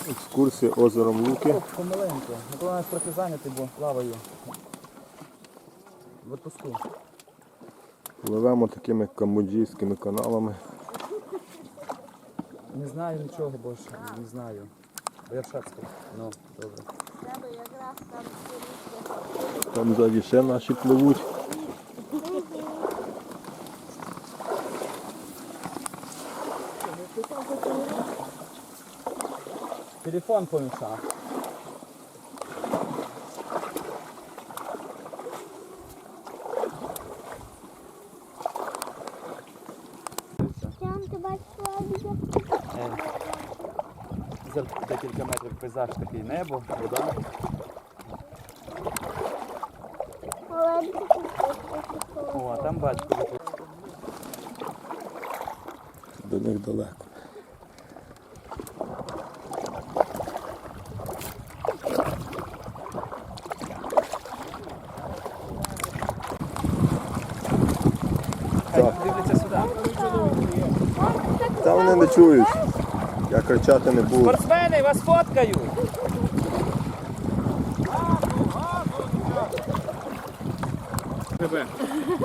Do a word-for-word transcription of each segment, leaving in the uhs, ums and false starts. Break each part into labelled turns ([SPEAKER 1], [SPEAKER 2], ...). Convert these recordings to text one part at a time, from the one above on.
[SPEAKER 1] Екскурсія озером Луки.
[SPEAKER 2] Помаленьку. Коли нас трохи зайнятий, бо плаваю. В отпуску.
[SPEAKER 1] Пливемо такими камбоджійськими каналами.
[SPEAKER 2] Не знаю нічого більше, не знаю. Бо я в Шацьку. Ну, добре.
[SPEAKER 1] Там ззаді ще наші пливуть.
[SPEAKER 2] Телефон помішав.
[SPEAKER 3] Там ти бачила
[SPEAKER 2] За декілька метрів пейзаж такий, небо, вода. О, а там батько.
[SPEAKER 1] До них далеко.
[SPEAKER 2] Так. Дивляться сюди.
[SPEAKER 1] Та вони не чують. Я кричати не буду.
[SPEAKER 2] Спортсмени, вас фоткають! Тебе.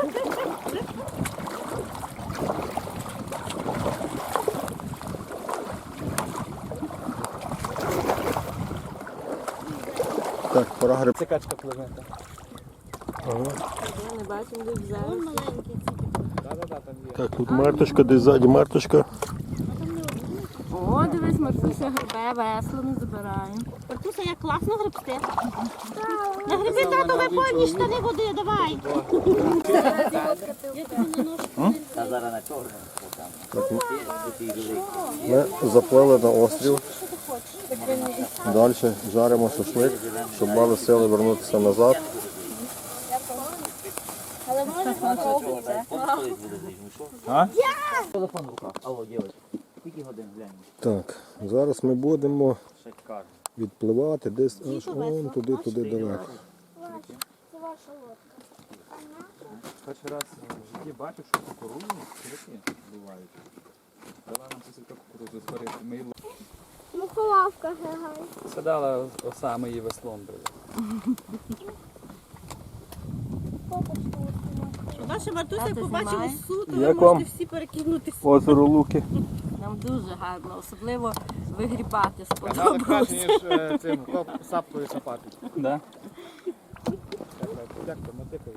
[SPEAKER 1] Так, пора гриб.
[SPEAKER 2] Це качка пливе.
[SPEAKER 1] Ага.
[SPEAKER 3] Я не бачу, де взяли. Вон маленький.
[SPEAKER 2] Да-да-да, там є.
[SPEAKER 1] Так, тут марточка, десь ззаді марточка.
[SPEAKER 3] О, дивись, Мартуся грибе, весло не забирає. Мартуся, як класно грибти. На гриби, тато, ви повні штани води, давай.
[SPEAKER 4] Та зараз на чорному.
[SPEAKER 1] Так, ми заплили на острів. Далі жаримо шашлик, щоб мали сили вернутися назад.
[SPEAKER 3] Але може спробувати.
[SPEAKER 2] А?
[SPEAKER 4] Телефон в руках. Алло, дівчата. Скільки годин глянь?
[SPEAKER 1] Так, зараз ми будемо
[SPEAKER 4] Шикарно.
[SPEAKER 1] відпливати десь аж вон туди, туди далеко.
[SPEAKER 3] Це ваша лодка.
[SPEAKER 2] Перший раз в житті бачу, що кукурудзу такі бувають. Дала нам сусідка кукурудзу зварити. Ми її
[SPEAKER 3] Мухолавка григай.
[SPEAKER 2] садала осами її веслом били.
[SPEAKER 5] Ваша Мартуся, як побачила суд, то ви
[SPEAKER 1] Як вам?
[SPEAKER 5] можете всі перекинутися.
[SPEAKER 1] Озеро Луки.
[SPEAKER 5] Нам дуже гарно, особливо вигрібати
[SPEAKER 6] Канали краще,
[SPEAKER 5] сподобалося.
[SPEAKER 6] ніж е, цим сапкою сапати.
[SPEAKER 2] Да?
[SPEAKER 6] Як то мотикою?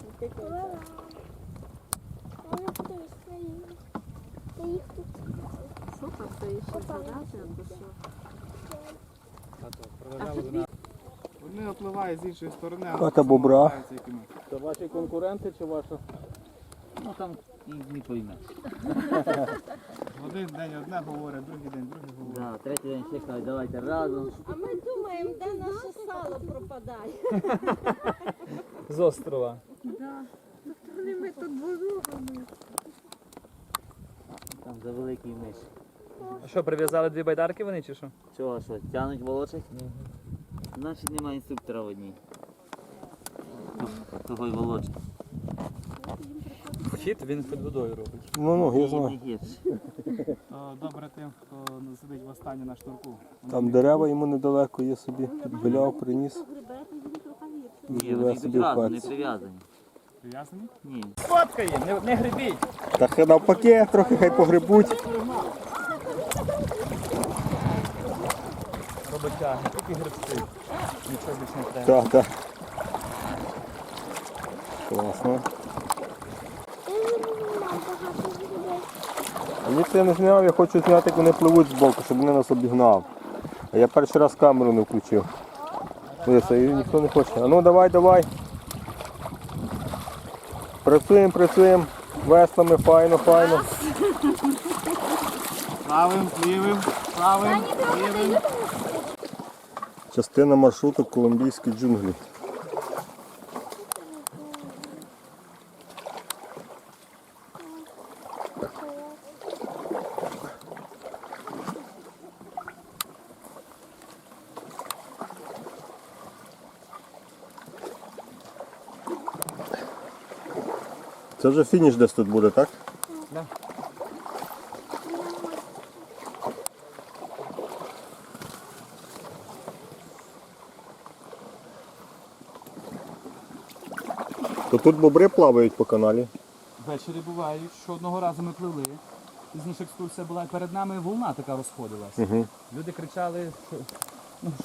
[SPEAKER 5] Супер, це і ще задати, або що.
[SPEAKER 6] Вони опливають з іншої сторони, а
[SPEAKER 1] Хата бобра.
[SPEAKER 6] опливаються якими.
[SPEAKER 2] Це ваші конкуренти чи ваша?
[SPEAKER 4] Ну там і не пойме.
[SPEAKER 6] В один день одне говорить, другий день друге говорить.
[SPEAKER 4] Да, третій день ще кажуть, давайте разом.
[SPEAKER 5] А ми думаємо, де наше сало пропадає.
[SPEAKER 2] З острова.
[SPEAKER 5] Ми тут борогами.
[SPEAKER 4] Там за великий миш.
[SPEAKER 2] А що, прив'язали дві байдарки вони чи що?
[SPEAKER 4] Чого, що, тянуть волочать? Значить немає інструктора в одній. Того й волочить.
[SPEAKER 2] Хід він під водою робить.
[SPEAKER 1] Ну, ну, я знаю.
[SPEAKER 4] Не гірше.
[SPEAKER 6] То добре тим, хто сидить в останній на шнурку.
[SPEAKER 1] Там дерева йому недалеко є собі. Підбиляв, приніс. І
[SPEAKER 4] Ні,
[SPEAKER 1] живе
[SPEAKER 4] вони
[SPEAKER 1] собі в
[SPEAKER 4] відразу не
[SPEAKER 1] хаті.
[SPEAKER 4] прив'язані.
[SPEAKER 6] Прив'язані?
[SPEAKER 4] Ні.
[SPEAKER 2] Фоткає, не, не грибіть.
[SPEAKER 1] Та хай навпаки, трохи хай погрибуть.
[SPEAKER 2] Роботяги, тільки грибці. Нічого більше не треба.
[SPEAKER 1] Так, так. Класно. А ні, це я не зняв, я хочу зняти, як вони пливуть збоку, щоб вони нас обігнав. А я перший раз камеру не включив. Дивіться, і ніхто не хоче. А ну давай, давай. Працюємо, працюємо. Веслами, файно, файно.
[SPEAKER 6] Правим, лівим, правим, лівим.
[SPEAKER 1] Частина маршруту колумбійські джунглі. Це вже фініш десь тут буде, так?
[SPEAKER 2] Да.
[SPEAKER 1] То тут бобри плавають по каналі.
[SPEAKER 2] Ввечері бувають, що одного разу ми пливли. Пізніше екскурсія була, і перед нами волна така розходилась.
[SPEAKER 1] Угу.
[SPEAKER 2] Люди кричали, що